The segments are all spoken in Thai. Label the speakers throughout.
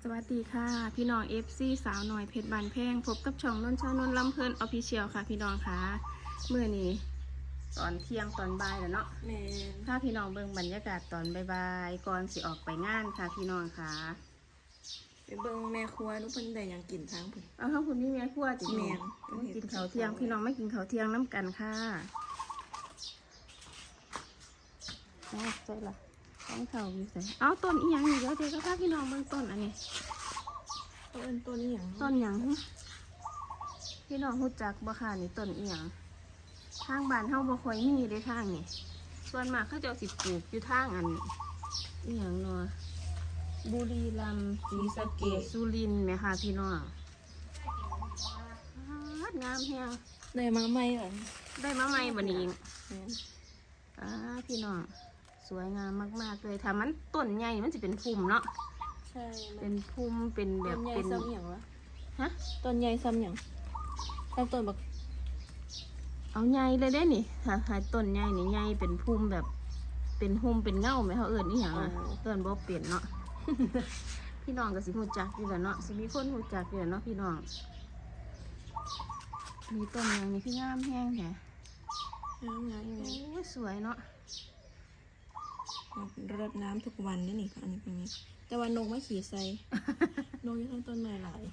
Speaker 1: สวัสดีค่ะพี่น้อง FC สาวหน่อยเพชรบานแพงพบกับช่องนนชานนลำเพลินออฟฟิเชียลค่ะพี่น้องค่ะเมื่อนี้ตอนเที่ยงตอนบ่ายแล้วเนาะ
Speaker 2: แม่น
Speaker 1: ถ้าพี่น้องเบิ่งบรรยากาศตอนบ่ายๆก่อนสิออกไปงานค่ะพี่น้องค่ะ
Speaker 2: ไปเบิ่งแม่ครัวนุเพิ่นได้หยังกินทางเพิ่น
Speaker 1: เอาข้าวคุณพี่แม่ครัวจิ
Speaker 2: แม่น
Speaker 1: มากินข้าวเที่ยงพี่น้องไม่กินข้าวเที่ยงน้ำกันค่ะเอาใส่ละต้องข้าวอยู่ใส่เอาต้นอีหยังอยู่แล้วเดี๋ยวก็พาพี่น้องเบิ่งต้นอันนี้
Speaker 2: เอิ้นต้นอีหยัง
Speaker 1: ต้นหยังพี่น้องรู้จักบ่ค่ะนี่ต้นอีหยังทางบ้านเฮาบ่ค่อยมีเลยทางนี่ส่วนมากเขาจะเอาสิปลูกอยู่ทางอันอีหยังเนาะบุรีรัมย์ศรีสะเกษสุรินทร์แม่ค่ะพี่น้องงามแฮง
Speaker 2: ได้มาใหม่เหรอ
Speaker 1: ได้มาใหม่บัดนี้
Speaker 2: แม่น
Speaker 1: พี่น้องสวยงามมากๆเลยถ้ามันต้นใหญ่มันสิเป็นพุ่มเนาะ
Speaker 2: ใช่
Speaker 1: เป็นพุ่มเป็นแบ
Speaker 2: ต้
Speaker 1: บ
Speaker 2: นใหญ่
Speaker 1: เป็น
Speaker 2: ซ้ำหยังวะ
Speaker 1: ฮะ
Speaker 2: ต้นใหญ่ซ้ำหยังซ้ำต้นบัก
Speaker 1: เอาใหญ่เลยได้นี่หาต้นใหญ่นี่ใหญ่เป็นพุ่มแบบเป็นหุ่มเป็นเง่าไหมเขาเอิญนี่หยังอ่ะเอิญบ่เปลี่ยนเนาะ พี่น้องก็สิหูจักอยู่แหล้วเนาะสิมีคนหูจักอยู่แหล้วเนาะพี่น้องมีต้นอย่างนี้คืองามแห้งแหะ
Speaker 2: งามๆอยู่
Speaker 1: โอ้ยสวยเนาะ
Speaker 2: รดน้ำทุกวันนี่อันนี้เป็นนี้แต่ว่านกไม่ขี่ใส่ นกอยู่ทั้งต้นไม้หลาย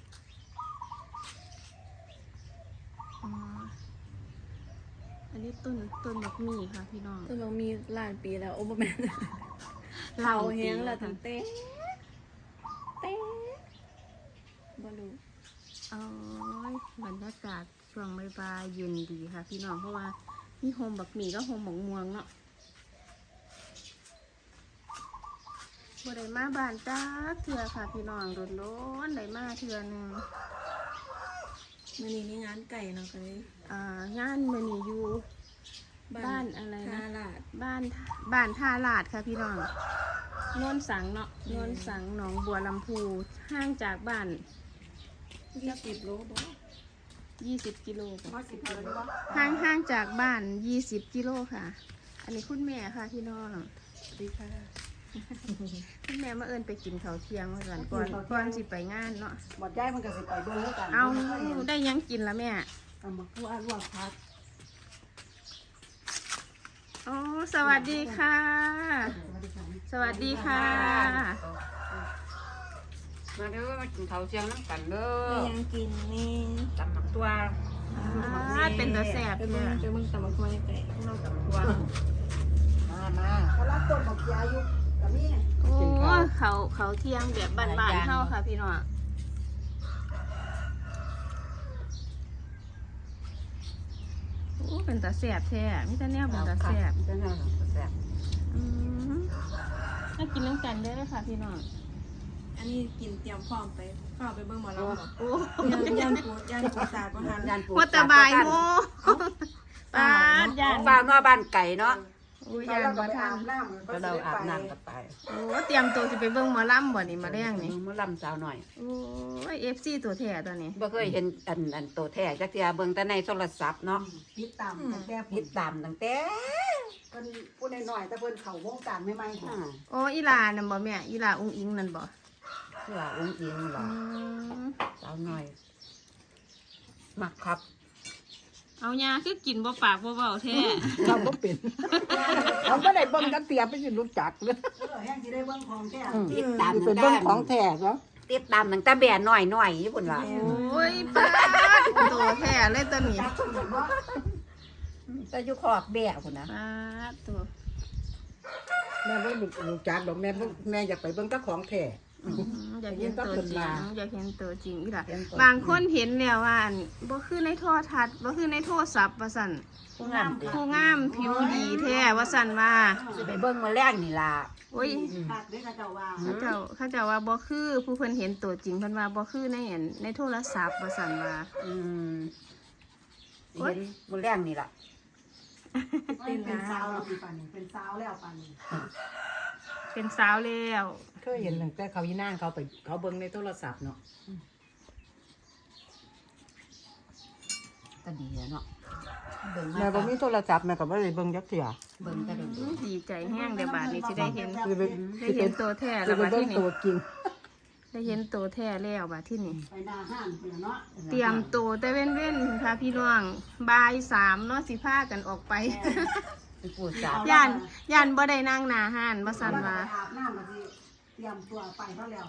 Speaker 1: อ๋ออันนี้ต้นบักหมี่ค่ะพี่น้อง
Speaker 2: ต้นมันมีหลายปีแล้วโอ้บ่แม่น
Speaker 1: หลาย
Speaker 2: เผา
Speaker 1: ปี
Speaker 2: แห้ง
Speaker 1: แล้
Speaker 2: แล้ว
Speaker 1: วค่ะ
Speaker 2: ตั้งแต่บ่รู้
Speaker 1: โอ้ยบรรยากาศช่วงบ่ายๆเย็นดีค่ะพี่น้องเพราะว่ามีโฮมบักหมี่ก็โฮมบักม่วงเนาะบ่ได้มาบ้านจ้าเถื่อค่ะพี่น้องโดนๆได้มาเถื่อหนึง
Speaker 2: มื้อนี้มีงานไก่เนาะก็เลย
Speaker 1: งานมื้อนี้อยู่บ้านอะไรนะ
Speaker 2: ท่าลาด
Speaker 1: บ้านท่าลาดค่ะพี่น้องโนนสังเนาะโนนสังหนองบัวลำพูห่างจากบ้าน
Speaker 2: 20 โลบ่
Speaker 1: 20 กิโลค่ะ
Speaker 2: 10 กิโลบ่
Speaker 1: ห่างจากบ้าน20 กิโลค่ะ อันนี้คุณแม่ค่ะพี่น้อง
Speaker 2: สวัสดีค่ะ
Speaker 1: คุณแม่มาเอิญไปกินข้าวเที่ยงมาก่อนสิไปงานเนาะ
Speaker 3: หมดย้ายมันก็สิไปเบิ่งแล้วกัน
Speaker 1: เอาได้ยังกินละแม่
Speaker 3: เอามาคั่วลวกพัก
Speaker 1: อ๋อสวัสดีค่ะ สวัสดีค่ะ
Speaker 3: มาเด้อมากินข้าวเชียงน้ำกันเด้อ
Speaker 2: ได้ยังกินนี่
Speaker 3: ตำหนักตัว
Speaker 1: เป็นตาแสบ
Speaker 2: ไป
Speaker 1: เนี่
Speaker 2: เบิ่ง
Speaker 1: ย
Speaker 2: ตำบักหุ่งไก่
Speaker 3: เราตำตัวมาเขารับต้นบักยาอยู่กับนี่
Speaker 1: โอ้เขาเที่ยงแบบบ้านๆเฮาค่ะพี่น้องโอ้เป็นตาแสบแท้มิตาแนวเป็นตาแสบ
Speaker 3: จะน่าแซ่บ
Speaker 1: ถ้ากินน้ำกันได้เลยค่ะพี่น้อง
Speaker 2: อันนี้กินเตรียมพร้อมไปเข้าไปเบิ่งหมอลำบ่
Speaker 1: โอ้
Speaker 2: ยันปูศาสตร์บ่ทัน
Speaker 3: ยานปู
Speaker 1: วัตบายโมปาดยาน
Speaker 3: ฟ้ามาบ้านไก่เนาะ
Speaker 1: โอ้ยยานบ่ทัน
Speaker 3: ก็เราอาบน้ำกันไป
Speaker 1: โอ้เตรียมตัวจะไปเบิ่งหมอลำบ่นี่มาแรงนี่
Speaker 3: มื้อลำสาวหน่อย
Speaker 1: โอ้ย FC ตัวแท้ตัวนี้
Speaker 3: บ่เคยเห็นอันโตแท้จักเที่ยเบิ่งแต่ในโทรศัพท์เนาะ
Speaker 4: ติดตามตั้งแต่
Speaker 3: ติดตามตั้งแต่
Speaker 4: เพิ่นพูดน้อยๆแต่เพิ่นเข้าวงการใหม่ๆ
Speaker 3: อ่า
Speaker 1: โอ้อีหลานั่นบ่แม่อีหลาอุ้งอิงนั่นบ่
Speaker 3: เพื่อองค์อิงหรอ
Speaker 1: ม
Speaker 3: สาวหน่อยมักครับ
Speaker 1: เอายาคือกินบ่ปากบ่เว้าแท้
Speaker 4: เราบ่เป็นเราบ่ได้เบิ่งกันเตียไปสิรู้จักเลยแห้งสิได้เบิ่งของแท้
Speaker 3: ติดตาม
Speaker 4: เป็นเบิ่งของแท้เนาะ
Speaker 3: ติดตามตั้งแต่แบนหน่อยญี่ปุ่นว่า
Speaker 1: โอ้ยปาดตัวแท้เลยตัวนี้
Speaker 3: แต่อยู่ขอกแบะพุ่นนะ
Speaker 1: ปาดตัว
Speaker 4: แม่บ่รู้จักดอกแม่อยากไปเบิ่งแต่ของแท้
Speaker 1: อยากเห็นตัวจริงอยากเห็นตัวจริงอีหล่ะ
Speaker 4: เห็นตัว
Speaker 1: บางคนเห็นแล้วว่าอั่นบ่คือในโทรทัศน์บ่คือในโทรศัพท์ว่าซั่น
Speaker 3: ผู้งาม
Speaker 1: ผู้งามผิวดีแท้ว่าซั่นว่า
Speaker 3: สิไปเบิ่งมาแรกนี่ล่ะ
Speaker 1: โอ้ย
Speaker 4: ภาคเด้อเขาเจ้าว่า
Speaker 1: เขาเจ้าว่าบ่คือผู้เพิ่นเห็นตัวจริงเพิ่นว่าบ่คือในอันในโทรศัพท์ว่าซั่นว่า
Speaker 3: อืมเห็นมาแรกนี่ล่ะ
Speaker 4: เป็นสาวแล้วปีปานนี้เป็นสาวแล้วปานนี้
Speaker 1: เป็นสาวแล้ว
Speaker 4: เคยเห็นตั้งแต่เขาอีนางเขาไปเขาเบิ่งในโทรศัพท์เนาะ
Speaker 3: ก็ดีแล้วเนาะเบิ่ง
Speaker 4: แม่
Speaker 3: มา
Speaker 4: บ่มีโทรศัพท์แม่ก็บ่ได้เบิ่งจักเทื่อ
Speaker 3: เบิ่งก็ได้ดู
Speaker 1: ดีใจแห้งเดี๋ยวบาดนี้สิได้เห็น
Speaker 4: สิไป
Speaker 1: ได้เห็นตัวแท้
Speaker 4: สิ
Speaker 1: แล้ว
Speaker 4: ไป
Speaker 1: ว่า
Speaker 4: เบิ่
Speaker 1: ที่
Speaker 4: ง
Speaker 1: นี่
Speaker 4: ตัวจริง
Speaker 1: ได้เห็นโตแท้แล้วบัดที่นี่
Speaker 4: ไปหน้าห้างเพิ่นเนาะ
Speaker 1: เตรียมโตแต่เว้นๆค่ะพี่น้องบ่าย3เนาะสิพากันออกไป
Speaker 3: ไปปูสาบ
Speaker 1: ย่านบ่ได้นั่งหน้าห้านบ่ซั่นว่า
Speaker 4: อาบน้ำมาสิเตรียมตัวไปเขาแล้ว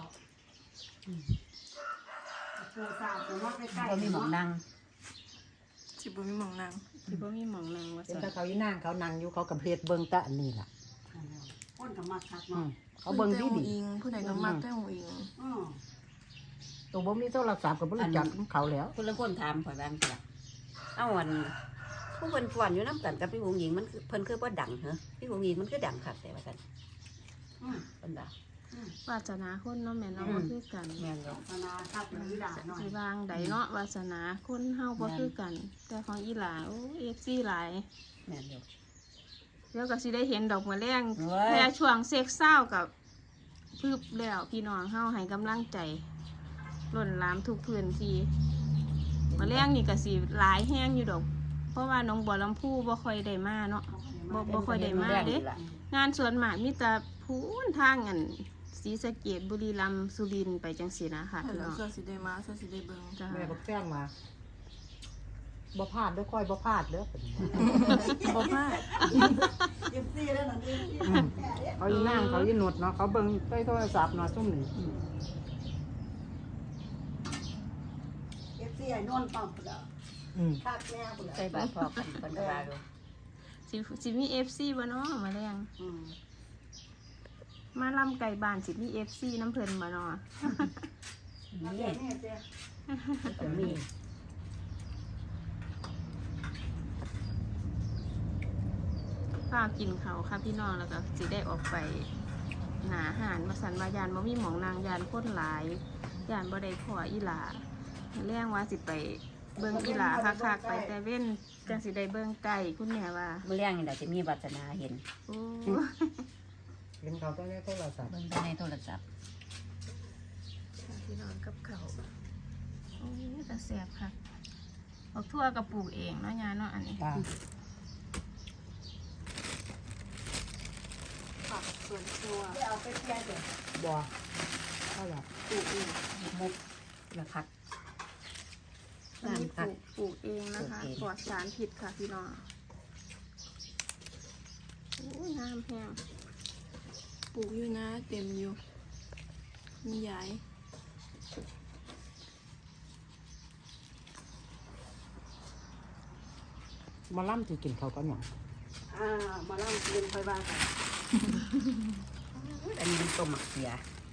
Speaker 4: ปูสาบเนาะใกล้ๆ
Speaker 3: บ่มีหมองนั่ง
Speaker 2: สิบ่มีหมองนาง
Speaker 1: สิบ่มีหม่องนั่งว่า
Speaker 4: เป็น
Speaker 1: ซั่น
Speaker 4: ถ้าเขาอีนั่งเขานั่งอยู่เขากับเพลเบิ่งตะอันนี้ล่ะคนกับมักคักอื
Speaker 2: Ừ.
Speaker 4: มเขาเบิ่งดี
Speaker 2: แต่
Speaker 4: ดี
Speaker 2: อิงผู้ใดก็มักแต่หงอิง
Speaker 4: ตัวบ่มีโทรศัพท์ก็บ่รู้จักเขาแล้ว
Speaker 3: คนละคนถามข่อยบ้างจ้ะเอาอันผู้เพิ่นฟ้อนอยู่นํกันกับพี่หงหญิงมันคือเพิ่นคือบ่ดังเหรอพี่หงหญิงมันคือดังคักแต่ว่าซั่นเพิ่นด่าว
Speaker 1: าสนาคนเนาะแม่เนาะบ่คือกัน
Speaker 3: แม่นบ่
Speaker 4: ธนาคับอีหลาหน่อย
Speaker 1: สิวางใดเนาะวาสนาคนเฮาบ่คือกัน แต่ของอีหลาโอ้ FC หลาย
Speaker 3: แม่นอยู่
Speaker 1: เดี๋ยวก็สิได้เห็นดอกมะแรง
Speaker 3: โอ้ย
Speaker 1: แค่ช่วงเซ็กเศร้ากับพึบแล้วพี่น้องเฮาให้กำลังใจล้นหลามทุกพื้นที่มะแรงนี่ก็สิหลายแห้งอยู่ดอก เพราะว่าน้องบัวลำพูบ่ค่อยได้มาเนาะบ่ค่อยได้มาเด้ งานสวนหมากมีแต่พูนทางอันศรีสะเกษบุรีรัมย์สุรินทร์ไปจังซี่นะค่ะพี่
Speaker 2: แล้
Speaker 1: น้
Speaker 2: ว
Speaker 1: อง
Speaker 2: เสื้อสิได้มาเสื้อสิได้เบิ่ง
Speaker 1: จ้า
Speaker 4: แม่บอกแจ้งมาบ่พลาดเด้อค่อยบ่พลาดเด้อ
Speaker 2: บ่พลาด
Speaker 4: เขาอีนั่งเขาอีหนวดเนาะเขาเบิ่งใช้โทรศัพท์เนาะซุ่มนี่
Speaker 3: ใส่บาตรพอกันเพิ่นก็ว่าอยู่
Speaker 1: สิมี FC บ่เนาะมาแรงมาลำไก่บ้านสิมี FC น้ำเพิ่นบ่เนาะ
Speaker 3: นี่ก็มี
Speaker 1: ข้าวกินเขาวค่ะพี่น้องแล้วก็สิได้ออกไปหาอาหารมาสันวายานบ่มีหมองนางยานพ้นหลายยานบ่ได้ขออีหลาแรงว่าสิไปเบิ่งอีหลาคักๆไปแต่เว้นจังสิได้เบิ่งไก่คุณแม่ว่า
Speaker 3: มื้อแรงนี่ล่ะจะมีวาสนาเห็น
Speaker 1: โอ้
Speaker 4: เห็นเขาต้องใช้โทรศัพท์
Speaker 3: เบิ่งแต่ในโทรศัพท์
Speaker 1: พี่น้องกับเขาวโอ้ยแต่แซ่บค่ะออกทั่วกับปลูกเองเนาะยาเนาะอันนี้
Speaker 3: จ้า
Speaker 2: ผักสวนครัว
Speaker 4: บ่เท่าไหร่
Speaker 1: ปลูกเอง
Speaker 3: มุกละคัก
Speaker 1: อันนี้ปลูกเองนะคะ
Speaker 3: ปลูกเอง
Speaker 1: ปลอดสารพิษค่ะพี่น้องโอ้ยงามแพง
Speaker 2: ปลูกอยู่นะเต็มอยู่มียาย
Speaker 4: มาล่ำสิกินเขาวก็หยัง
Speaker 3: มาเล่าเรียนค่อยว่ากันอันนี้เป็นต้มหมักเสีย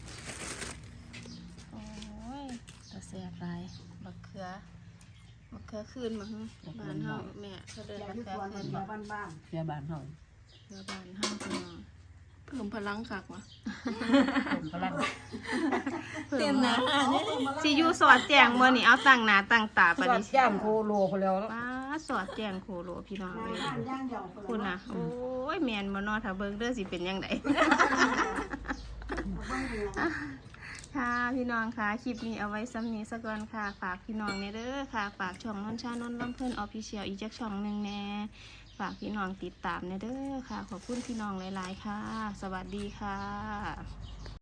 Speaker 1: โอ้ยตาแซ่บหลายบักเขือคืนมาฮึบ้านเฮาแม่เขาเดินบักเขือคืนบ่
Speaker 4: บ้าน
Speaker 3: เสียบ้านเฮา
Speaker 1: เขือบ้านเฮาพี่น้อง
Speaker 2: เพิ่มพลังคักว่ะ
Speaker 3: ต้มพลัง
Speaker 2: เต็มนะอ่ะเนี่ย
Speaker 1: สิอยู่สอดแจงบ่นี่เอาตั้งหน้าตั้งตาปาน
Speaker 3: สอด
Speaker 1: นี้
Speaker 3: ย่างโคโลพอแล้ว
Speaker 1: ป้าสอดแจงโคโลพี่น้องเอ้ย
Speaker 4: ย่างเดียว
Speaker 1: คุณน่ะโอ้ยแม่นบ่เนาะถ้าเบิ่งเด้อสิเป็นจังได ค่ะพี่น้องค่ะคลิปนี้เอาไว้ซ้ำนี้สักก่อนค่ะฝากพี่น้องเนี่ยเด้อค่ะฝากช่องนนชานนท์ลำเพิ่นออฟฟิเชียลอีกจักช่องหนึงแน่ฝากพี่น้องติดตามเนี่ยเด้อค่ะขอบคุณพี่น้องหลายๆค่ะ สวัสดีค่ะ